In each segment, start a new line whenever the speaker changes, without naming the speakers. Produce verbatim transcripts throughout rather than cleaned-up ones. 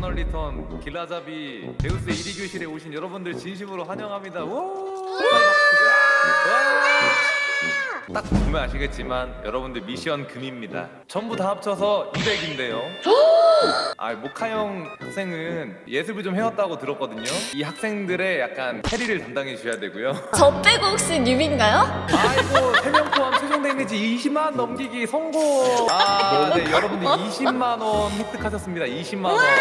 이터널 리턴 길라잡이 데우스 일 위 교실에 오신 여러분들 진심으로 환영합니다. 우! 딱 보면 아시겠지만 여러분들 미션 금입니다. 전부 다 합쳐서 이백인데요. 아, 모카형 학생은 예습을 좀 해왔다고 들었거든요. 이 학생들의 약간 캐리를 담당해 주셔야 되고요.
저 빼고 혹시 뉴비인가요?
아이고, 세 명 포함 최종 데미지 이십만 넘기기 성공. 아, 네, 여러분들 이십만 원 획득하셨습니다. 이십만 원.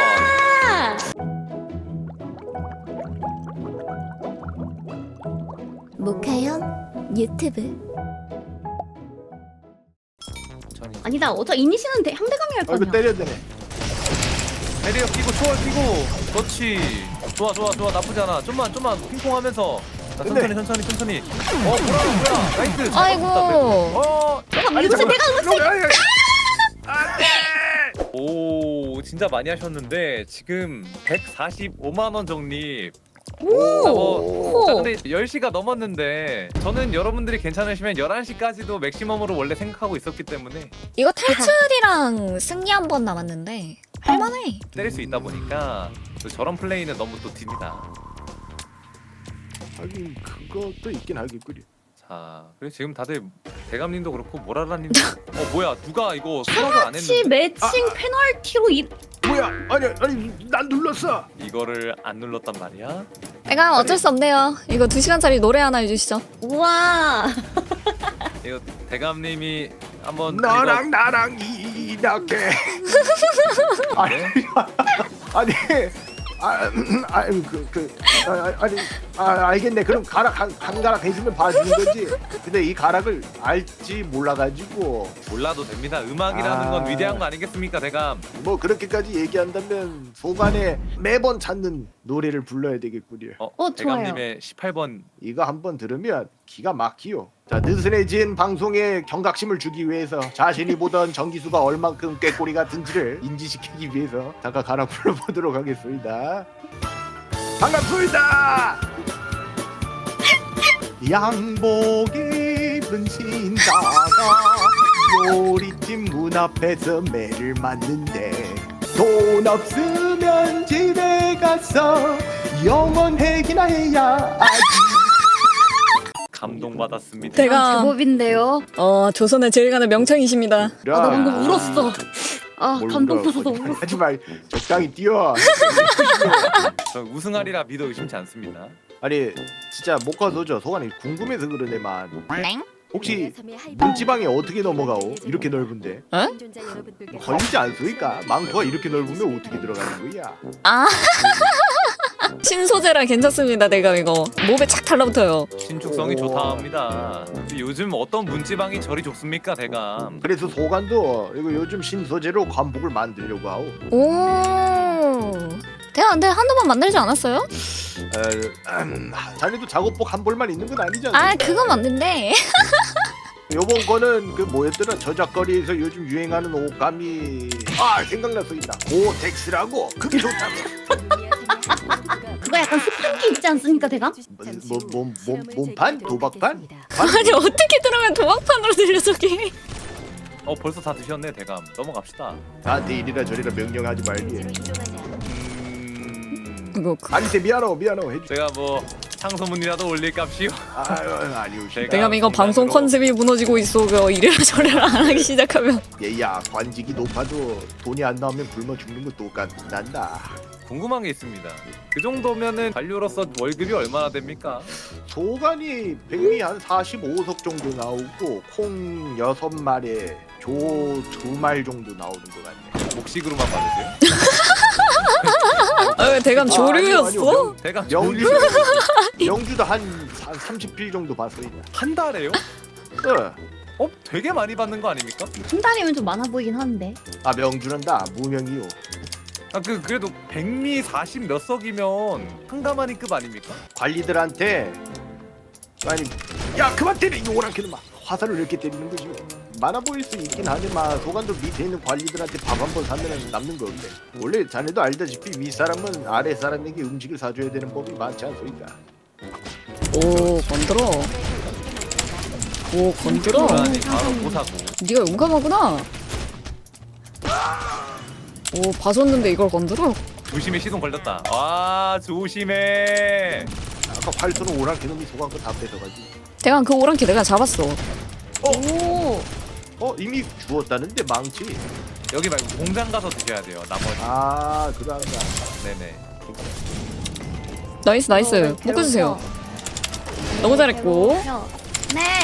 모카형 유튜브.
아니다. 어차 이니시는 대- 상대방이 할
어 이거
거냐.
때려야 되네.
배리어 끼고 초월 끼고. 그렇지. 좋아 좋아 좋아, 나쁘지 않아. 좀만 좀만 핑퐁하면서. 자, 천천히
근데-
천천히 천천히. 어, 뭐야 뭐야. 나이스.
아이고.
어.
잠깐만, 이것을 내가
잠깐만.
오, 진짜 많이 하셨는데 지금 백사십오만 원 적립.
오.
뭐, 자, 근데 열 시가 넘었는데 저는 여러분들이 괜찮으시면 열한 시까지도 맥시멈으로 원래 생각하고 있었기 때문에
이거 탈출이랑 승리 한 번 남았는데 할만해.
때릴 수 있다 보니까 또 저런 플레이는 너무 또 딥니다.
하긴 그것도 있긴 하겠구려.
자, 그리고 지금 다들 대감님도 그렇고 모라라님도 어 뭐야, 누가 이거 수락을 안
같이
했는데
매칭 페널티로 이
뭐야? 아니 아니 난 눌렀어.
이거를 안 눌렀단 말이야?
내가 어쩔 수 없네요. 이거 두 시간짜리 노래 하나 해주시죠.
우와.
이거 대감님이 한번
너랑 나랑 이렇게. 아니
네?
아니 아, 아니 그그 아, 아니 아, 알겠네. 그럼 가락 한, 한 가락 해주면 봐주는 거지. 근데 이 가락을 알지 몰라가지고
몰라도 됩니다. 음악이라는
아.
건 위대한 거 아니겠습니까, 대감?
뭐 그렇게까지 얘기한다면 소관에 매번 찾는 노래를 불러야 되겠구려.
어,
어, 좋아요.
대감님의 십팔 번.
이거 한번 들으면 기가 막히요. 자, 느슨해진 방송에 경각심을 주기 위해서 자신이 보던 정기수가 얼만큼 꾀꼬리 같은지를 인지시키기 위해서 잠깐 가라 불러보도록 하겠습니다. 반갑습니다. 양복 입은 신사가 요리집 문 앞에서 매를 맞는데 돈 없으면 집에 가서 영원해기나 해야
감동받았습니다.
제가
제법인데요.
어 조선의 제일 가는 명창이십니다.
아, 나 방금 울었어. 아,
뭘
감동
울어.
터져서 울었어.
하지 말. 적당히 뛰어.
저 우승하리라 믿어 의심치 않습니다.
아니 진짜 모카 도저 소관이 궁금해서 그러네만.
땡?
혹시 문지방에 어떻게 넘어가오? 이렇게 넓은데
어?
걸리지 않습니까? 망토가 이렇게 넓으면 어떻게 들어가는 거야?
아 신소재라 괜찮습니다. 내가 이거 몸에 착 달라붙어요.
신축성이
오.
좋다 합니다. 요즘 어떤 문지방이 저리 좋습니까, 대감?
그래서 소관도 이거 요즘 신소재로 관복을 만들려고 하오.
오. 내가 근데 한두 번 만들지 않았어요?
에, 음, 자네도 작업복 한 벌만 있는 건 아니지 않습니까?
아 그건 맞는데.
요번 거는 그 뭐였더라 저작거리에서 요즘 유행하는 옷감이 아 생각났어 있다 고텍스라고 그게 좋다고.
그거 약간 스판기 있지 않습니까, 대감?
뭐몸몸 몸판 도박판?
아니 어떻게 들으면 도박판으로 들려 저게.
어, 벌써 다 드셨네, 대감. 넘어갑시다.
나한테 이리라 저리라 명령하지 말기.
음...
이거 그-
아니 미안해 미안해 해주.
제가 뭐 창소문이라도 올릴 값이요.
아유 아니요.
제가-
내가 이거 방송
장난으로-
컨셉이 무너지고 있어. 그 이래라 저래라 안 하기 시작하면.
얘야 관직이 높아도 돈이 안 나오면 굶어 죽는 거 똑같단다.
궁금한 게 있습니다. 그 정도면은 관료로서 월급이 얼마나 됩니까?
소관이 백미 한 사십오석 정도 나오고 콩 여섯 마리에 조 두 말 정도 나오는 것 같네.
목식으로만 받으세요?
아 왜 대감
아, 아니요,
조류였어?
아니요.
대감
명주 명주도 한, 한 삼십 필 정도 봤어 있다.
한 달에요?
어.
어, 되게 많이 받는 거 아닙니까?
한 달이면 좀 많아 보이긴 하는데.
아 명주는 다 무명이요.
아, 그 그래도 백미 사십 몇 석이면 한가마니급 아닙니까?
관리들한테 아니 야 그만 때려 이 오랑캐는 막 화살을 이렇게 때리는 거지. 많아 보일 수 있긴 하지만 소관도 밑에 있는 관리들한테 밥 한 번 사면 남는 거 없네. 원래 자네도 알다시피 윗사람은 아래 사람에게 음식을 사줘야 되는 법이 많지 않소니까.
오 건드려. 오 건드려.
아니, 바로 보사고.
네가 용감하구나. 오 봐줬는데 이걸 건드려?
조심해 시동 걸렸다. 아 조심해.
아까 활 쏘는 오랑캐 놈이 속한 거 다 뺏어가지고.
대강 그 오랑캐 내가 잡았어.
오.
어 이미 주웠다는데 망치.
여기 말고 공장 가서 드셔야 돼요. 나머지.
아 그러한가.
네네.
나이스 나이스. 묶어주세요. 너무 잘했고.
네.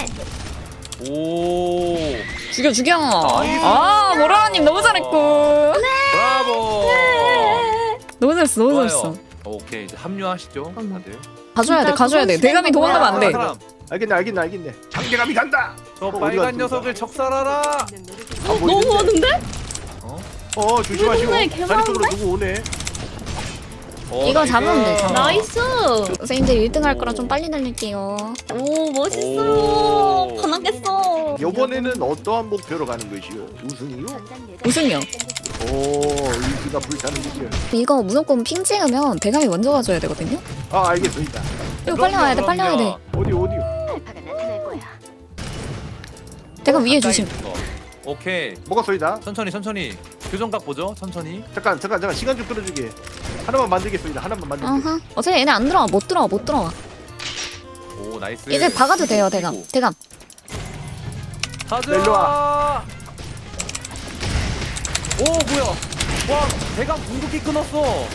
오.
죽여 죽여.
나이스.
아 모라님 너무 잘했고.
브라보.
너무 잘했어 너무
좋아요.
잘했어.
오케이 이제 합류하시죠.
잠깐만.
다들.
가줘야 돼
진짜
가줘야 돼.
그건
대감이
싫은
도망가면 안 돼.
사람.
알겠네 알겠네 알겠네. 장대감이 간다.
저
어디
빨간
갔습니까?
녀석을 적살하라.
안
너무
보이는데?
많은데?
어?
어 조심하시고.
동네
다리 쪽으로
개많은데?
누구 오네.
어,
이거
나이스.
잡으면 되죠.
나이스.
선생님들 일 등 할 거라 좀 빨리 날릴게요.
오 멋있어.
오.
반하겠어.
이번에는 어떠한 목표로 가는 것이요? 우승이요?
우승이요.
오 의지가 불타는 거죠.
이거 무조건 핑 찍으면 대감이 먼저 가줘야 되거든요.
아 알겠습니다.
이거 빨리 와야 돼 빨리 와야 돼.
어디 어디요?
대감 위에
가까이
조심.
있어. 오케이.
먹었소이다.
천천히 천천히. 교정각 보죠. 천천히.
잠깐 잠깐 잠깐 시간 좀 끌어주게. 하나만 만들겠습니다. 하나만 만들게.
아하. 어차피 얘네 안 들어와 못 들어와 못 들어와.
오 나이스.
이제 박아도 돼요 대감. 대감.
가자.
일로 와.
오 뭐야? 와 대강 궁극기 끊었어.
어,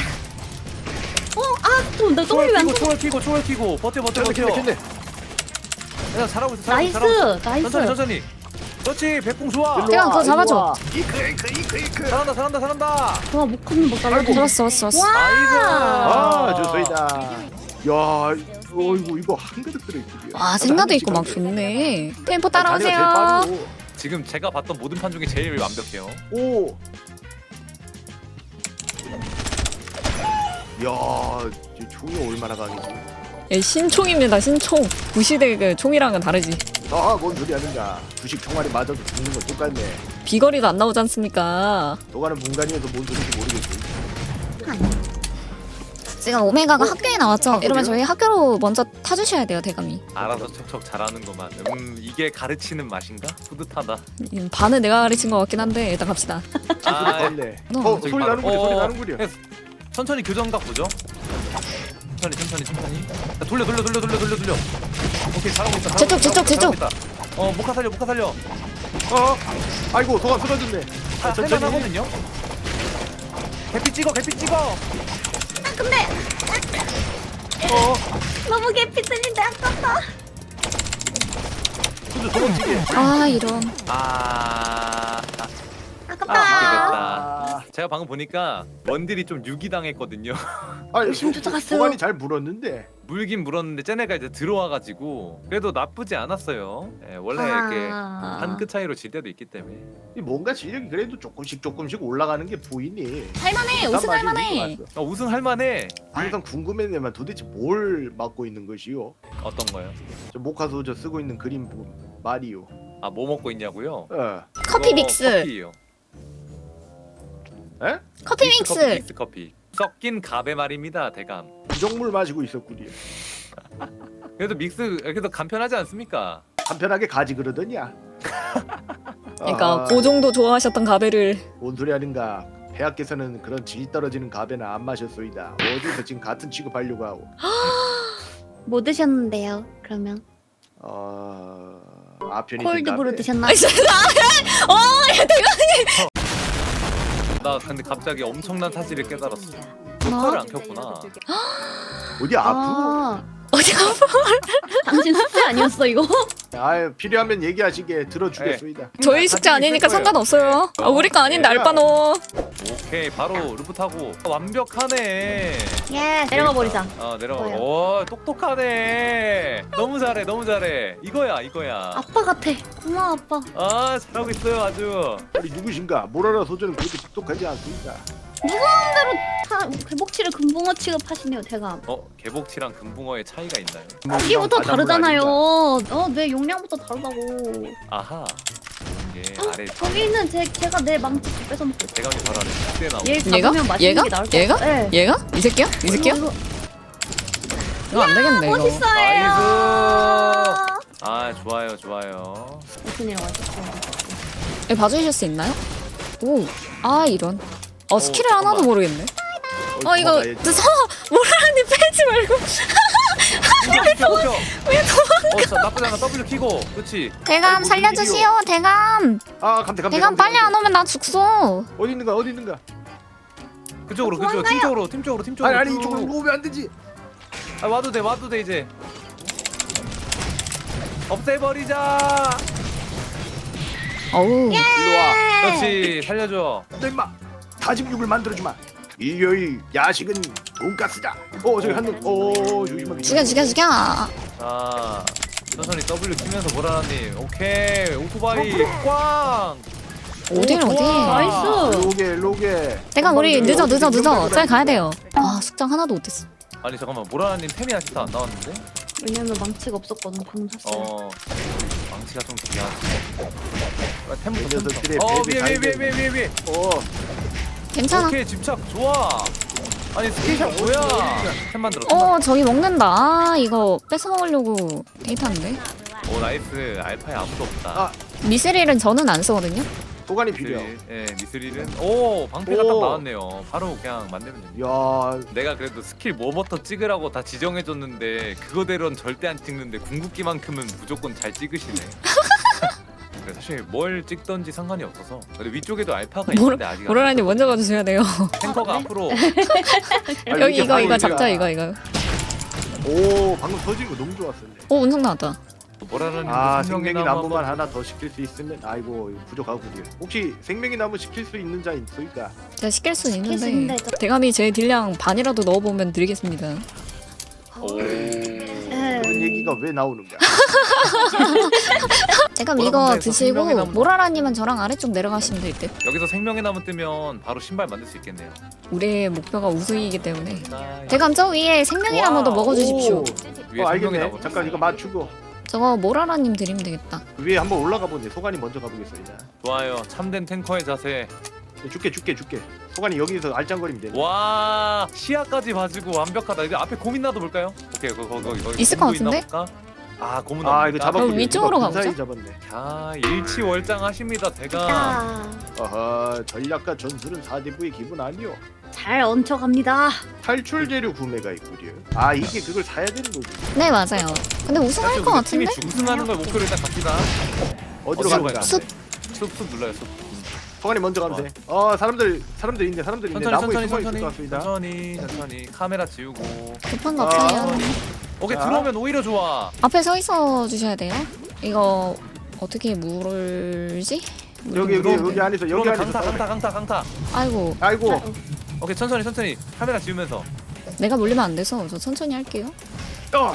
아, 좀 내
초월
W 안
키고
쳐.
초월 키고 초월 키고 버텨 버텨
켰네
버텨.
켰네 켰네.
야 잘하고 있어 잘하고 있어,
나이스,
잘하고 있어.
나이스.
천천히 천천히. 그렇지 백궁 좋아.
일로
대강
와,
그거
일로
잡아줘.
와. 이크 이크 이크 이크.
잘한다 잘한다 잘한다.
와, 못 걷는 못 달라.
잡았어 잡았어 잡았어.
나이스.
아 좋소이다. 야 어이구 이거 한 그릇 들어있지.
아 생가도 있고 막 좋네. 템포 따라오세요.
지금 제가 봤던 모든 판 중에 제일 완벽해요.
오. 야, 이 총이 얼마나 강해지?
예, 신총입니다 신총. 구시대 그 총이랑은 다르지.
아, 뭔 소리 하는가? 주식 총알이 맞아도 죽는 건 똑같네.
비거리도 안 나오지 않습니까?
너가는 문간이어서 뭔 소리인지 모르겠어.
지금 오메가가
어?
학교에 나왔죠.
아,
이러면
그래요?
저희 학교로 먼저 타주셔야 돼요 대감이.
알아서 척척 잘하는구만. 음 이게 가르치는 맛인가? 뿌듯하다.
음, 반은 내가 가르친 것 같긴 한데 일단 갑시다.
아
맞네.
너,
어,
저기
소리
바로-
나는구려, 소리
어,
나는구려.
네, 천천히 교정각 보죠. 천천히 천천히 천천히. 자, 돌려 돌려 돌려 돌려 돌려 돌려. 오케이 잘하고 있다.
저쪽, 저쪽, 저쪽.
어 모카 살려 모카 살려.
어, 아이고 소감 쓰러졌네.
하,
아, 천천히.
할만하거든요. 개피 찍어 개피 찍어.
근데
어,
너무 개피들인데 아깝다.
수주 도망치게.
아 이런.
아.
아깝다.
아,
아,
제가 방금 보니까 원딜이 좀 유기당했거든요.
아,
열심히 쫓아갔어요.
소감이 잘 물었는데.
물긴 물었는데 쟤네가 이제 들어와가지고 그래도 나쁘지 않았어요. 예, 원래 이렇게
아.
한 끗 차이로 질 때도 있기 때문에.
이 뭔가 실력이 그래도 조금씩 조금씩 올라가는 게 보이니.
할만해 우승 할만해.
어, 우승할 만해.
항상 궁금했네만 도대체 뭘 맡고 있는 것이요?
어떤 거요?
저 모카소 저 쓰고 있는 그림 보- 말이요.
아 뭐 먹고 있냐고요?
어,
커피
그거
믹스.
커피예요.
에?
커피
믹스 커피,
믹스.
믹스 커피. 섞인 가베 말입니다, 대감.
부정물 마시고 있었구려.
그래도 믹스 그래도 간편하지 않습니까?
간편하게 가지 그러더냐?
그러니까
아,
그 정도 좋아하셨던 가베를.
뭔 소리 하는가? 폐하께서는 그런 질 떨어지는 가베는 안 마셨소이다. 어디서 지금 같은 취급하려고 하고.
뭐 드셨는데요? 그러면
어... 아편이
콜드브루 드셨나?
어 대감.
나 근데 갑자기 엄청난 사실을 깨달았어. 효과를 안 켰구나.
어디 아프고?
아,
어디가?
당신 숙제 아니었어 이거?
아 필요하면 얘기하시게 들어주겠소이다.
저희 숙제 아니니까 상관없어요. 아, 우리 거 아닌데 알바노.
오케이 바로 루프 타고 완벽하네.
예, 내려가 버리자.
어 내려가.
뭐야?
오 똑똑하네. 너무 잘해 너무 잘해. 이거야 이거야.
아빠 같아. 고마워 아빠.
아 잘하고 있어요 아주.
우리 누구신가? 모라라 소전은 그렇게 똑똑하지 않습니다.
차, 회복치를 금붕어 취급하시네요 대감.
어 개복치랑 금붕어의 차이가 있나요?
크기부터
바닷물
다르잖아요.
아닌가?
어, 내 용량부터 다르다고.
아하. 이게 아래
거기 있는 제 제가 내 망치 다 뺏어 먹고.
대감이 바로 아래 밑에 나오고.
얘
얘가?
잡으면 맛있는
얘가?
게 나을 것
얘가?
같아. 네.
얘가? 이 새끼야? 이 새끼야?
이거,
이거 안 되겠네 이거.
멋있어요.
아 좋아요 좋아요.
무슨 일 와주세요.
예, 봐주실 수 있나요? 오, 아 이런. 어 스킬을
잠깐만.
하나도 모르겠네. 어 이거
도망가야지.
저 모라니 빼지 말고.
왜 도망쳐?
왜
어, 자, 나쁘지 않아. W 키고. 그렇지.
대감
아이고,
살려주시오. 대감.
아 감태 감태.
대감
감태,
빨리 안
감태.
오면 나 죽소.
어디 있는가 어디 있는가?
그쪽으로 그쪽 팀 쪽으로 팀 쪽으로 팀
아니
쪽으로.
아니
쭉.
이쪽으로 오면 안 되지.
아 와도 돼 와도 돼 이제. 없애버리자.
어우.
일로 와.
그렇지 살려줘.
너 임마 다짐 육을 만들어주마. 일요일 야식은 돈가스다. 어 저기 한놈. 어 조심하게.
죽여 죽여 죽여.
자 천천히 W 키면서 보라님. 오케이 오토바이 꽝.
어딜
오,
어디?
좋아.
나이스.
로게 로게.
대감 우리 늦어 늦어 늦어. 빨리 가야 돼요. 아 숙장 하나도 못했어.
아니 잠깐만 보라님 템이 아직도 안 나왔는데?
왜냐면 망치가 없었거든. 방금 샀어요.
어 망치가 좀 중요하지. 아, 템부터
이
템부터.
녀석들의
어
배를
위에 위에
달게.
위에 위에 위에.
어.
괜찮아.
오케이 집착 좋아. 아니 스킬샷 뭐야? 템 만들어.
어 저기 먹는다. 아 이거 뺏어 먹으려고 데이트하는데.
오 나이스 알파에 아무도 없다.
아.
미스릴은 저는 안 쓰거든요.
도가니 필요.
미스릴, 예 미스릴은 오 방패가 딱
오.
나왔네요. 바로 그냥 만들면 됩니다.
야
내가 그래도 스킬 뭐부터 찍으라고 다 지정해줬는데 그거대로는 절대 안 찍는데 궁극기만큼은 무조건 잘 찍으시네. 근데 사실 뭘 찍던지 상관이 없어서. 근데 위쪽에도 알파가
모라-
있는데 아직 안
모라라님 먼저 가주셔야 돼요.
탱커가
아,
앞으로
아니,
여기
이게
이거 이거
바로
잡자
우리가-
이거 이거.
오 방금 터진 거 너무 좋았었네.
오 운석 나왔다.
뭐라는
아
생명의
생명이
나무
나무만
한번-
하나 더 시킬 수 있으면 아이고 이거 부족하구려. 혹시 생명이 나무 시킬 수 있는 자 있으니까?
제가 시킬 수
시킬 수
있는데
있는데 저-
대감이 제 딜량 반이라도 넣어보면 드리겠습니다.
오.
네.
그런 얘기가 왜 나오는가?
대감
뭐라
이거
그러면
드시고
생명의 나무-
모라라님은 저랑 아래쪽 내려가시면 될 듯.
여기서 생명의 나무 뜨면 바로 신발 만들 수 있겠네요.
우리의 목표가 우승이기 때문에.
나이스.
대감 저 위에 생명이나무도
와우.
먹어주십시오.
오.
위에
어
생명의
알겠네.
나무
잠깐
있어요.
이거 맞추고
저거 모라라님 드리면 되겠다.
위에 한번 올라가 보네. 소관이 먼저 가보겠습니다.
좋아요. 참된 탱커의 자세.
줄게 줄게 줄게. 소관이 여기서 알짱거리면 되네.
와 시야까지 봐주고 완벽하다. 이제 앞에 고민 나도 볼까요? 오케이 그거 그거 이거
있을 것
고문 있나
같은데?
볼까? 아 고문
아 이거 잡았군요.
그럼 위쪽으로
이거
가보자.
근사히 잡았네.
아 일치월장하십니다 대감.
자,
어허 전략과 전술은 사대부의 기분 아니오.
잘 얹혀갑니다.
탈출 재료 구매가 있구려. 아 이게 그걸 사야 되는 거지.
네 맞아요. 근데 우승할 것 같은데?
팀이 우승하는 걸 목표로 일단 갑시다.
어디로
어디로
가는가?
가요?
숲.
쑥쑥 눌러요 쑥.
소관이 먼저 가면 돼. 어 사람들 사람들 있네. 사람들 있네.
천천히
나무에
천천히
숨어 있을 것
천천히
같습니다.
천천히 천천히 카메라 지우고.
급한 거
아.
없어요.
오케이
자.
들어오면 오히려 좋아.
앞에 서 있어 주셔야 돼요. 이거 어떻게 물지? 물
여기 여기
물어보네.
여기 안에서 여기
들어오면
안에서.
강타
싸우네.
강타 강타 강타.
아이고
아이고.
오케이 천천히 천천히 카메라 지우면서.
내가 물리면 안 돼서 저 천천히 할게요.
어.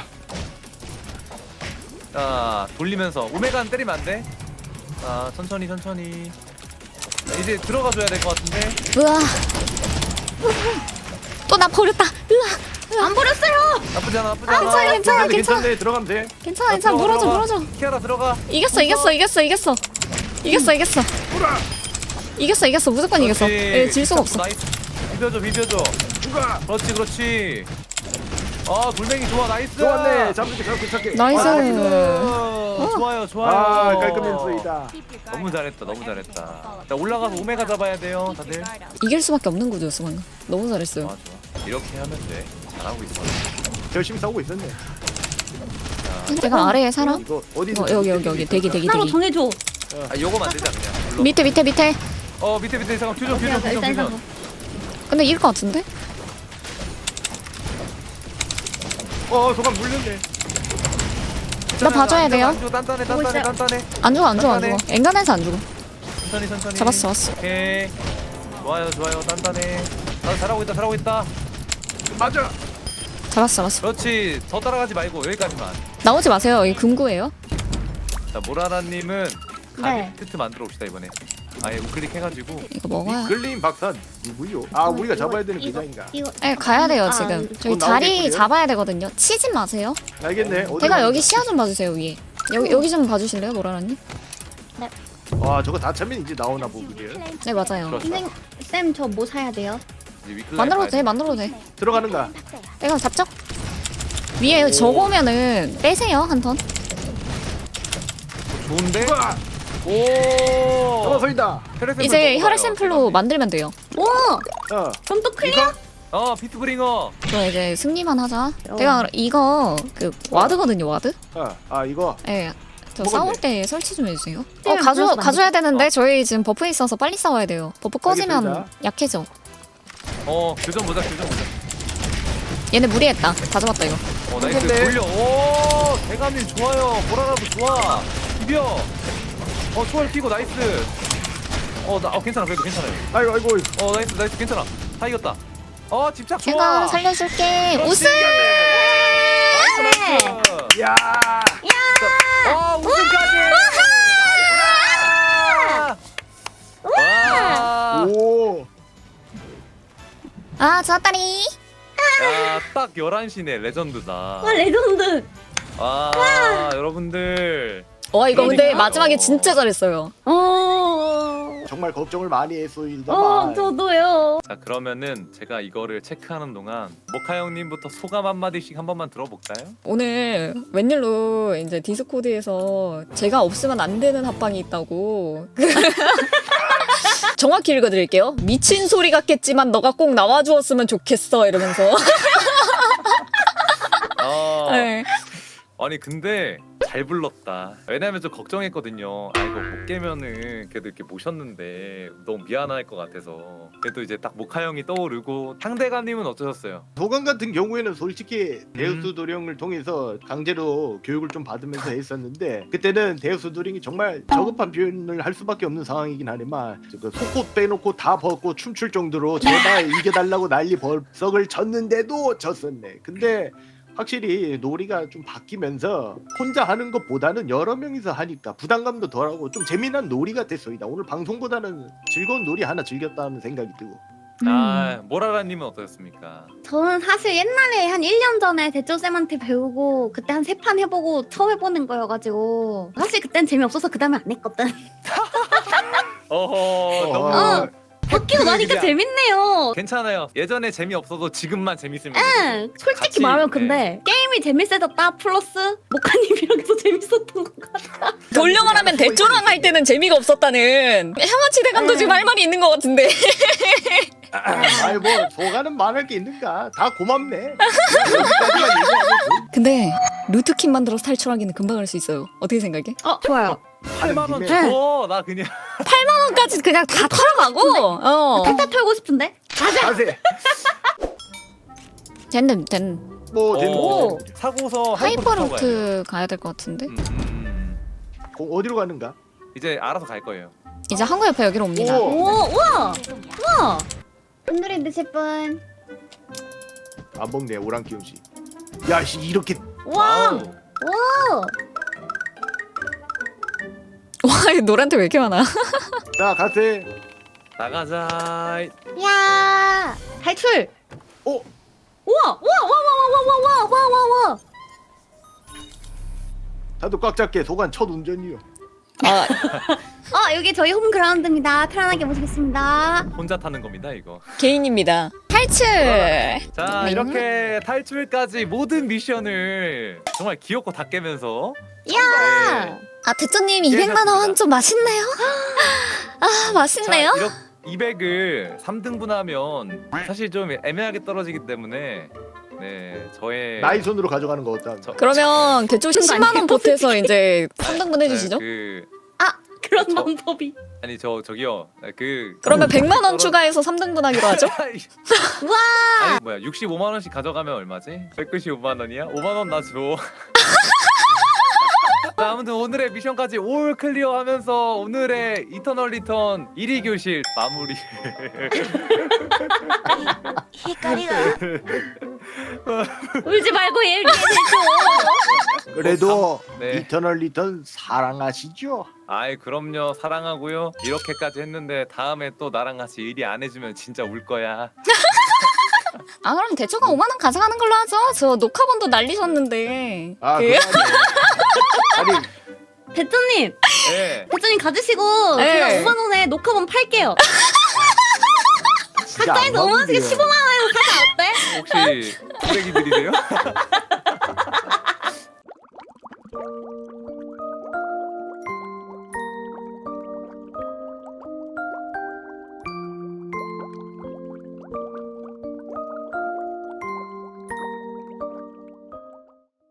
자 돌리면서 오메가는 때리면 안 돼. 자 천천히 천천히. 자, 이제 들어가 줘야 될 것 같은데.
으아. 또 나 버렸다. 으아.
안 버렸어요.
나쁘지 않아 나쁘지
아,
않아.
괜찮아, 괜찮아, 괜찮아.
괜찮네. 들어가면 돼.
괜찮아, 괜찮아.
들어가,
물어줘,
들어가.
물어줘.
키아라 들어가.
이겼어, 이겼어, 이겼어, 이겼어. 이겼어, 이겼어. 이겼어, 이겼어. 무조건 이겼어. 예, 질 수가 없어.
나이스. 비벼줘 비벼줘.
누가?
그렇지 그렇지. 아 돌멩이 좋아 나이스.
좋았네. 잡을게 잡을게 잡게.
나이스.
아, 나이스. 좋아요 좋아요.
아 깔끔했습니다.
너무 잘했다 너무 잘했다. 자 올라가서 오메가 잡아야 돼요 다들.
이길 수밖에 없는 구조였어, 방금. 너무 잘했어요.
좋아 좋아. 이렇게 하면 돼. 잘하고 있어.
열심히 싸우고 있었네.
내가 아래에 살아?
이거 어디?
어, 여기, 여기, 여기. 대기, 대기,
따로
대기.
정해줘.
아 요거 만들자 그냥. 물론.
밑에, 밑에, 밑에.
어 밑에 밑에 잠깐 퓨전
오케이,
퓨전
오케이,
퓨전
일단
퓨전.
근데 이길 것 같은데?
어 소감 물렸네.
나 봐줘야 돼요.
안 죽어 단단해
보고
단단해
있어요.
단단해.
안 죽어, 안 죽어, 안 죽어. 엔간해서 안 죽어.
천천히 천천히.
잡았어, 잡았어.
오케이. 좋아요 좋아요 단단해. 나 잘하고 있다 잘하고 있다.
맞아.
잡았어, 잡았어.
그렇지 더 따라가지 말고 여기까지만.
나오지 마세요. 이 금고예요.
자 모라라님은
네.
가게 키트 만들어 봅시다 이번에. 아예 우클릭 해가지고.
이거 먹어야.
끌림 박사 누구요? 아 우리가 잡아야 되는
이거,
기자인가?
이거
네, 가야 돼요,
아,
지금.
아,
저희
곧
자리
나오겠고요.
잡아야 되거든요. 치지 마세요.
알겠네. 어디
제가
가는가?
여기 시야 좀 봐주세요, 위에. 여기, 여기 좀 봐주실래요, 모라라님?
와 저거 다 차면 이제 나오나 보구려.
네, 맞아요.
그렇죠.
선생 쌤 저 뭐 사야 돼요?
이제 위클라이프
만들어도
가야
돼, 만들어도 돼.
들어가는가?
내가 잡죠? 위에
오.
저거면은 빼세요, 한 턴.
좋은데?
누가?
오.
넘어서인다.
혈액 샘플
이제
먹어봐요.
혈액 샘플로 만들면 돼요.
오,
어.
그럼 또 클리어?
이거
어 피트브링어.
저 이제 승리만 하자.
어.
내가 이거 그 와드거든요, 와드?
아, 아 이거
예. 저
먹었네.
싸울 때 설치 좀 해주세요. 어
네,
가져
불러서
가져야 되는데
어.
저희 지금 버프 있어서 빨리 싸워야 돼요. 버프 꺼지면
알겠습니다.
약해져.
어 교전 보자 교전 보자.
얘네 무리했다. 다 잡았다 이거.
어 나이스
근데-
돌려. 오 대감님 좋아요. 보라라도 좋아. 비벼. 어 초월 끼고 나이스. 어나 어, 괜찮아 그래도 괜찮아요.
아이고 아이고
어 나이스 나이스 괜찮아. 다 이겼다. 어 집착 좋아.
제가 살려줄게.
그렇지.
우승!
나이스 나이스.
야
와 우승까지. 와.
오.
아 좋았다니.
야딱 열한 시네 레전드다.
와 레전드.
아 여러분들
와 이거 근데
그러니까요.
마지막에 진짜 잘했어요.
어.
정말 걱정을 많이
어
했소이다만
저도요.
자 그러면은 제가 이거를 체크하는 동안 모카 형님부터 소감 한마디씩 한 번만 들어볼까요?
오늘 웬일로 이제 디스코드에서 제가 없으면 안 되는 합방이 있다고. 정확히 읽어드릴게요. 미친 소리 같겠지만 너가 꼭 나와주었으면 좋겠어 이러면서.
어,
네.
아니 근데 잘 불렀다. 왜냐면 좀 걱정했거든요. 아 이거 못 깨면은 그래도 이렇게 모셨는데 너무 미안할 것 같아서. 그래도 이제 딱 모카 형이 떠오르고 상대감님은 어떠셨어요?
도감 같은 경우에는 솔직히
음.
데우스 도령을 통해서 강제로 교육을 좀 받으면서 했었는데 그때는 데우스 도령이 정말 저급한 표현을 할 수밖에 없는 상황이긴 하지만 그 속옷 빼놓고 다 벗고 춤출 정도로 제발 이겨달라고 난리 벌썩을 쳤는데도 졌었네. 근데 확실히 놀이가 좀 바뀌면서 혼자 하는 것보다는 여러 명이서 하니까 부담감도 덜하고 좀 재미난 놀이가 됐소이다. 오늘 방송보다는 즐거운 놀이 하나 즐겼다는 생각이 들고.
아 모라라님은 어떠셨습니까?
저는 사실 옛날에 한 일 년 전에 대조쌤한테 배우고 그때 한 세 판 해보고 처음 해보는 거여가지고 사실 그땐 재미없어서 그 다음에 안 했거든.
어허 너무
어. 바뀌고 나니까
그냥-
재밌네요.
괜찮아요. 예전에 재미없어도 지금만 재밌으면
응, 솔직히
같이,
말하면
네.
근데 게임이 재밌어졌다 플러스 모카님이랑 더 재밌었던 것 같아.
돌려 말하면 대조랑 할 때는 재미가 없었다는 향아치 대감도
네.
지금 할 말이 있는 것 같은데.
아이 뭐 소가는 말할 게 있는가? 다 고맙네. 그냥 여기까지만 얘기하고
근데 루트킨 만들어서 탈출하기는 금방 할 수 있어요. 어떻게 생각해?
어, 좋아요.
팔만 원
김에-
줘. 나 그냥
까지 그냥 다 털어가고. 어.
탈탈 털고 싶은데?
자세.
쟤는 쟤는
뭐 되는
오.
거.
사고서
하이퍼
타고 가야 돼요.
루트 가야 될 것 같은데.
음, 음.
어, 어디로 가는가?
이제 알아서 갈 거예요.
이제 한국 옆에 여기로 옵니다.
오.
오, 우와! 우와! 오늘의 드실 분.
안 먹네 오랑캐 음식. 야 씨, 이렇게
우와!
와우.
와!
와, 이 노란테 왜 이렇게 많아?
자 가세.
나가자.
야! 탈출!
어
우와! 우와! 와! 와! 와! 와! 와! 와! 와! 와!
다들 꽉 잡게. 소관 첫 운전이요.
아,
어, 여기 저희 홈그라운드입니다. 편안하게 모시겠습니다.
혼자 타는 겁니다 이거.
개인입니다. 탈출.
자
네.
이렇게 탈출까지 모든 미션을 정말 귀엽고 다 깨면서
야!
네.
아, 대표님 이백만 원 좀 맛있네요. 아, 맛있네요.
자, 이백을 삼 등분하면 사실 좀 애매하게 떨어지기 때문에 네 저의
나이 손으로 가져가는 거 어떠?
저-
그러면 그쪽 십만 원 보태서 이제 삼 등분
네,
해주시죠.
그
아, 그런
저-
방법이.
아니 저 저기요 그
그러면 백만 원
떨어-
추가해서 삼 등분 하기로 하죠.
우와!
아니 뭐야 육십오만 원씩 가져가면 얼마지? 백구십오만 원이야? 오만 원 나 줘. 자, 아무튼 오늘의 미션까지 올 클리어하면서 오늘의 이터널 리턴 일 위 교실 마무리.
울지 말고 얘기해줘.
그래도
네.
이터널 리턴 사랑하시죠?
아이 그럼요 사랑하고요. 이렇게까지 했는데 다음에 또 나랑 같이 일이 안 해주면 진짜 울 거야.
아, 그럼 대처가 오만 원 가져가는 걸로 하죠. 저 녹화본도 날리셨는데.
아
그-
그러네. 아니
대표님,
네.
대표님 가지시고
네.
제가 오만 원에 녹화본 팔게요.
진짜 안
각자에서 오만 원씩
맞는데요.
십오만 원에서 사자 어때?
혹시 쓰레기들이세요?